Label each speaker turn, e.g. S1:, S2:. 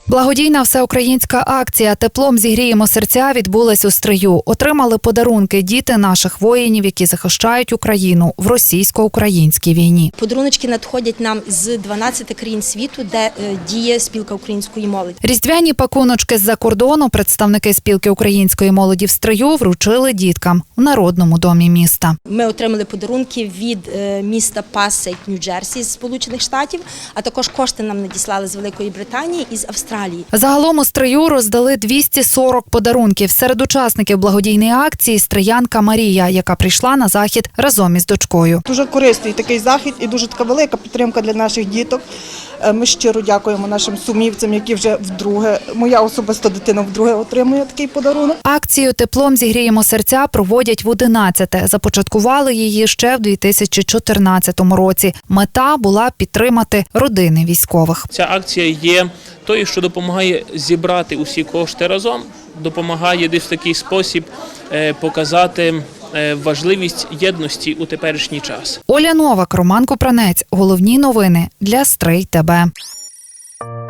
S1: Благодійна всеукраїнська акція «Теплом зігріємо серця» відбулась у Стрию. Отримали подарунки діти наших воїнів, які захищають Україну в російсько-українській війні.
S2: Подарунки надходять нам з 12 країн світу, де діє спілка української молоді.
S1: Різдвяні пакуночки з-за кордону представники спілки української молоді в Стрию вручили діткам у Народному домі міста.
S2: Ми отримали подарунки від міста Пасейк, Нью-Джерсі з Сполучених Штатів, а також кошти нам надіслали з Великої Британії і з Австралії.
S1: Загалом у Стрию роздали 240 подарунків. Серед учасників благодійної акції – стриянка Марія, яка прийшла на захід разом із дочкою.
S3: Дуже корисний такий захід і дуже така велика підтримка для наших діток. Ми щиро дякуємо нашим сумівцям, які вже вдруге, моя особиста дитина вдруге отримує такий подарунок.
S1: Акцію «Теплом зігріємо серця» проводять в 11-те. Започаткували її ще в 2014 році. Мета була підтримати родини військових.
S4: Ця акція є тою, що допомагає зібрати усі кошти разом, допомагає десь в такий спосіб показати важливість єдності у теперішній час.
S1: Оля Новак, Роман Купранець. Головні новини для Стрий ТБ.